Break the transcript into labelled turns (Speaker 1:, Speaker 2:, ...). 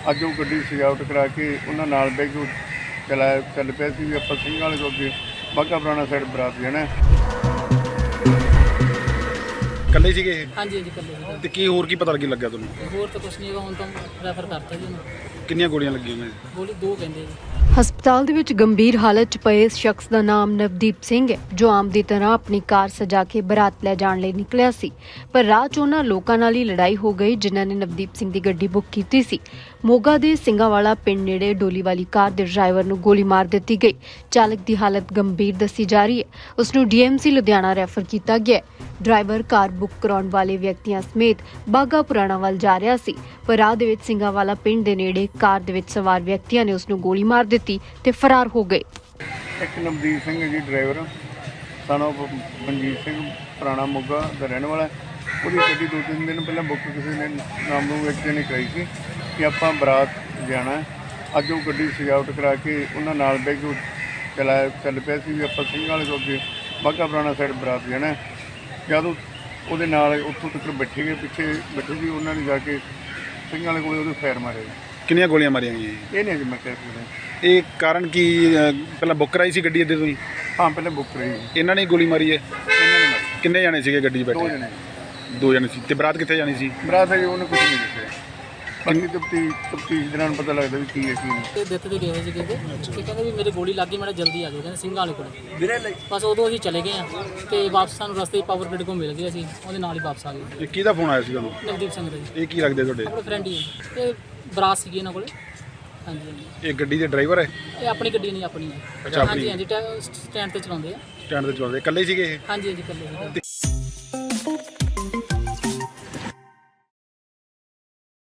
Speaker 1: ਅੱਜ ਉਹ ਗੱਡੀ ਸਜਾਵਟ ਕਰਾ ਕੇ ਉਹਨਾਂ ਨਾਲ ਬਹਿ ਕੇ ਚੱਲ ਪਿਆ ਸੀ ਵੀ ਆਪਾਂ ਸਿੰਘਾਂ ਵਾਲੇ ਤੋਂ ਅੱਗੇ ਬਾਘਾ ਪੁਰਾਣਾ ਸਾਈਡ ਬਰਾਤ ਜਾਣਾ।
Speaker 2: ਇਕੱਲੇ ਸੀਗੇ ਇਹ?
Speaker 3: ਹਾਂਜੀ ਹਾਂਜੀ ਇਕੱਲੇ ਸੀਗੇ।
Speaker 2: ਤੇ ਕੀ ਹੋਰ ਕੀ ਪਤਾ ਲੱਗਿਆ ਤੁਹਾਨੂੰ?
Speaker 3: ਹੋਰ ਤਾਂ ਕੁਛ ਨਹੀਂ ਹੈਗਾ, ਹੁਣ ਤਾਂ ਰੈਫਰ ਕਰਤਾ ਜੀ ਉਹਨੂੰ।
Speaker 2: ਕਿੰਨੀਆਂ ਗੋਲੀਆਂ ਲੱਗੀਆਂ ਨੇ?
Speaker 3: ਗੋਲੀ 2 ਕਹਿੰਦੇ ਜੀ।
Speaker 4: ਹਸਪਤਾਲ ਦੇ ਵਿੱਚ ਗੰਭੀਰ ਹਾਲਤ 'ਚ ਪਏ ਇਸ ਸ਼ਖਸ ਦਾ ਨਾਮ ਨਵਦੀਪ ਸਿੰਘ ਹੈ, ਜੋ ਆਮ ਦੀ ਤਰ੍ਹਾਂ ਆਪਣੀ ਕਾਰ ਸਜਾ ਕੇ ਬਰਾਤ ਲੈ ਜਾਣ ਲਈ ਨਿਕਲਿਆ ਸੀ। ਪਰ ਰਾਹ 'ਚ ਉਹਨਾਂ ਲੋਕਾਂ ਨਾਲ ਹੀ ਲੜਾਈ ਹੋ ਗਈ ਜਿਨ੍ਹਾਂ ਨੇ ਨਵਦੀਪ ਸਿੰਘ ਦੀ ਗੱਡੀ ਬੁੱਕ ਕੀਤੀ ਸੀ। ਮੋਗਾ ਦੇ ਸਿੰਘਾਵਾਲਾ ਪਿੰਡ ਨੇੜੇ ਡੋਲੀ ਵਾਲੀ ਕਾਰ ਦੇ ਡਰਾਈਵਰ ਨੂੰ ਗੋਲੀ ਮਾਰ ਦਿੱਤੀ ਗਈ। ਚਾਲਕ ਦੀ ਹਾਲਤ ਗੰਭੀਰ ਦੱਸੀ ਜਾ ਰਹੀ ਹੈ। ਉਸ ਨੂੰ ਡੀਐਮਸੀ ਲੁਧਿਆਣਾ ਰੈਫਰ ਕੀਤਾ ਗਿਆ ਹੈ। ਡਰਾਈਵਰ ਕਾਰ ਬੁੱਕ ਕਰਾਉਣ ਵਾਲੇ ਵਿਅਕਤੀਆਂ ਸਮੇਤ ਬਾਘਾ ਪੁਰਾਣਾ ਵੱਲ ਜਾ ਰਿਹਾ ਸੀ, ਪਰ ਰਾਹ ਦੇ ਵਿੱਚ ਸਿੰਘਾਵਾਲਾ ਪਿੰਡ ਦੇ ਨੇੜੇ ਕਾਰ ਦੇ ਵਿੱਚ ਸਵਾਰ ਵਿਅਕਤੀਆਂ ਨੇ ਉਸ ਨੂੰ ਗੋਲੀ ਮਾਰ ਦਿੱਤੀ ਤੇ ਫਰਾਰ ਹੋ ਗਏ।
Speaker 1: ਇੱਕ ਨਵਦੀਪ ਸਿੰਘ ਹੈ ਜੀ ਡਰਾਈਵਰ, ਸਾਨੂੰ ਮਨਜੀਤ ਸਿੰਘ ਪੁਰਾਣਾ ਮੋਗਾ ਦਾ ਰਹਿਣ ਵਾਲਾ। ਉਹਦੀ ਗੱਡੀ 2-3 ਦਿਨ ਪਹਿਲਾਂ ਬੁੱਕ ਕਿਸੇ ਨੇ ਨਾਮ ਨੂੰ ਵਿਅਕਤੀ ਨੇ ਕਰਾਈ ਸੀ ਕਿ ਆਪਾਂ ਬਰਾਤ ਜਾਣਾ। ਅੱਜ ਉਹ ਗੱਡੀ ਸਜਾਵਟ ਕਰਾ ਕੇ ਉਹਨਾਂ ਨਾਲ ਬਹਿ ਕੇ ਚੱਲ ਪਿਆ ਸੀ ਵੀ ਆਪਾਂ ਸਿੰਘਾਂ ਵਾਲੇ ਤੋਂ ਅੱਗੇ ਬਾਘਾ ਪੁਰਾਣਾ ਸਾਈਡ ਬਰਾਤ ਜਾਣਾ। ਜਦੋਂ ਉਹਦੇ ਨਾਲ ਉੱਥੋਂ ਤੱਕ ਬੈਠੇ ਗਏ, ਪਿੱਛੇ ਬੈਠੇ ਸੀ, ਉਹਨਾਂ ਨੇ ਜਾ ਕੇ ਸਿੰਘਾਂ ਵਾਲੇ ਕੋਲ ਉਹਦੇ ਫਾਇਰ ਮਾਰੇ।
Speaker 2: ਕਿੰਨੀਆਂ ਗੋਲੀਆਂ ਮਾਰੀਆਂ ਗਈਆਂ?
Speaker 1: ਇਹ ਨਹੀਂ ਜੀ ਮੈਂ ਕਹਿ ਸਕਦਾ।
Speaker 2: ਇਹ ਕਾਰਨ ਕੀ? ਪਹਿਲਾਂ ਬੁੱਕ ਕਰਾਈ ਸੀ ਗੱਡੀ ਇੱਥੇ ਤੁਸੀਂ?
Speaker 1: ਹਾਂ ਪਹਿਲਾਂ ਬੁੱਕ ਕਰਾਈ ਸੀ।
Speaker 2: ਇਹਨਾਂ ਨੇ ਗੋਲੀ ਮਾਰੀ ਹੈ?
Speaker 1: ਇਹਨਾਂ ਨੇ ਮਾਰੀ।
Speaker 2: ਕਿੰਨੇ ਜਾਣੇ ਸੀਗੇ ਗੱਡੀ 'ਚ
Speaker 1: 2
Speaker 2: ਬੈਠੇ?
Speaker 1: ਜਣੇ।
Speaker 2: 2 ਜਣੇ ਸੀ। ਤੇ ਬਰਾਤ ਕਿੱਥੇ ਜਾਣੀ ਸੀ?
Speaker 1: ਬਰਾਤ ਹੈ ਜੀ, ਉਹਨੇ ਕੁਝ ਨਹੀਂ ਦੱਸਿਆ। ਬਾਕੀ ਤਫਤੀਸ਼ ਦੌਰਾਨ ਪਤਾ ਲੱਗਦਾ ਵੀ ਕੀ ਹੈ ਕੀ ਨਹੀਂ।
Speaker 3: ਤੇ ਦਿੱਤ ਤੇ ਗਏ ਹੋਏ ਸੀਗੇ ਤੇ ਕਹਿੰਦੇ ਵੀ ਮੇਰੇ ਗੋਲੀ ਲੱਗ ਗਈ, ਮੈਂ ਜਲਦੀ ਆ ਜਾਓ, ਕਹਿੰਦੇ ਸਿੰਘਾਂ ਵਾਲੇ ਕੋਲ। ਬਸ ਉਦੋਂ ਅਸੀਂ ਚਲੇ ਗਏ ਆ ਤੇ ਵਾਪਸ ਸਾਨੂੰ ਰਸਤੇ 'ਚ ਪਾਵਰ ਗ੍ਰਿਡ ਕੋਲ ਮਿਲ ਗਏ, ਅਸੀਂ ਉਹਦੇ ਨਾਲ ਹੀ ਵਾਪਸ ਆ ਗਏ।
Speaker 2: ਇਹ ਕਿਹਦਾ ਫੋਨ ਆਇਆ ਸੀ ਤੁਹਾਨੂੰ?
Speaker 3: ਨਵਦੀਪ ਸਿੰਘ ਦਾ ਜੀ।
Speaker 2: ਇਹ ਕੀ ਲੱਗਦੇ ਤੁਹਾਡੇ?
Speaker 3: ਆਪਣੇ ਫਰੈਂਡ ਹੀ ਹੈ। ਇਹ ਬਰਾਤ ਸੀਗੀ ਇਹਨਾਂ ਕੋਲੇ। ਹਾਂਜੀ ਹਾਂਜੀ।
Speaker 2: ਇਹ ਗੱਡੀ ਦੇ ਡਰਾਈਵਰ ਹੈ?
Speaker 3: ਇਹ ਆਪਣੀ ਗੱਡੀ ਨਹੀਂ, ਆਪਣੀ ਹੈ।
Speaker 2: ਅੱਛਾ, ਆਪਣੀ।
Speaker 3: ਹਾਂਜੀ ਹਾਂਜੀ, ਸਟੈਂਡ ਤੇ ਚਲਾਉਂਦੇ ਆ।
Speaker 2: ਸਟੈਂਡ ਤੇ ਚਲਾਉਂਦੇ? ਇਕੱਲੇ ਸੀਗੇ ਇਹ?
Speaker 3: ਹਾਂਜੀ ਹਾਂਜੀ ਇਕੱਲੇ ਸੀਗੇ।